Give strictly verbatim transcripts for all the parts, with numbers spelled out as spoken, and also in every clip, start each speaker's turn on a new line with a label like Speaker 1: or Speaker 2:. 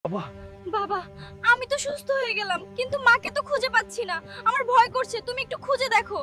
Speaker 1: বাবা
Speaker 2: বাবা, আমি তো সুস্থ হয়ে গেলাম, কিন্তু মাকে তো খুঁজে পাচ্ছি না। আমার ভয় করছে, তুমি একটু খুঁজে দেখো।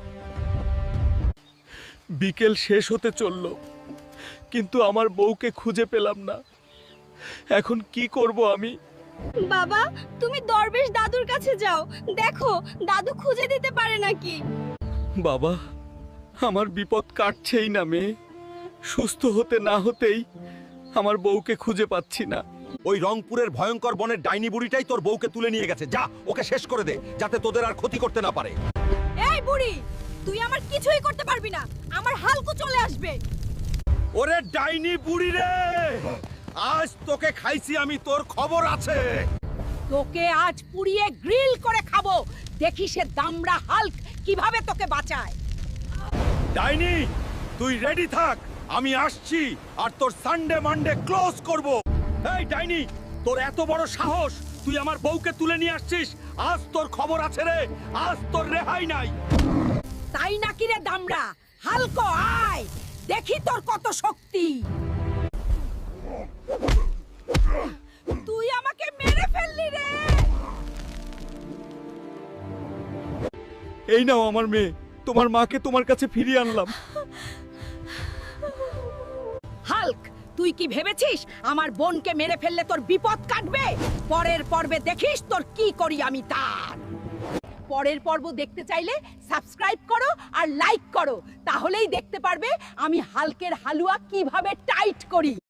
Speaker 1: বিকেল শেষ হতে চলল, কিন্তু আমার বউকে খুঁজে পেলাম না। এখন কি করব আমি?
Speaker 2: বাবা, তুমি দরবেশ দাদুর কাছে যাও, দেখো দাদু খুঁজে দিতে পারে নাকি।
Speaker 1: বাবা, আমার বিপদ কাটছেই না মেয়ে। সুস্থ হতে না হতেই আমার বউকে খুঁজে পাচ্ছি না।
Speaker 3: ওই রংপুরের ভয়ঙ্কর বনের ডাইনি বুড়িটাই তোর বউকে তুলে নিয়ে গেছে। যা, ওকে শেষ করে দে, যাতে তোদের আর ক্ষতি করতে না পারে।
Speaker 2: এই বুড়ি, তুই আমার কিছুই করতে পারবি না। আমার হালকু চলে আসবে।
Speaker 3: ওরে ডাইনি বুড়ি রে, আজ তোকে খাইছি আমি, তোর খবর আছে।
Speaker 4: তোকে আজ পুড়িয়ে গ্রিল করে খাবো, দেখি সে দামড়া হাল্ক কিভাবে তোকে বাঁচায়।
Speaker 3: ডাইনি, তুই রেডি থাক, আমি আসছি আর তোর সানডে মানডে ক্লোজ করব। এই ডাইনি, তোর এত বড় সাহস, তুই আমার বউকে তুলে নিয়ে আসছিস। আজ তোর খবর আছে রে, আজ তোর রেহাই নাই।
Speaker 4: তাই নাকি রে দামড়া? হালকো আয়, দেখি তোর কত শক্তি। তুই আমাকে মেরে ফেললি রে।
Speaker 1: এই নাও আমার মেয়ে, তোমার মাকে তোমার কাছে ফিরিয়ে আনলাম।
Speaker 4: হাল্ক, তুই কি ভেবেছিস আমার বোনকে মেরে ফেললে তোর বিপদ কাটবে? পরের পর্বে দেখিস তোর কি করি আমি তার। পরের পর্ব দেখতে চাইলে সাবস্ক্রাইব করো আর লাইক করো, তাহলেই দেখতে পারবে আমি হাল্কের হালুয়া কিভাবে টাইট করি।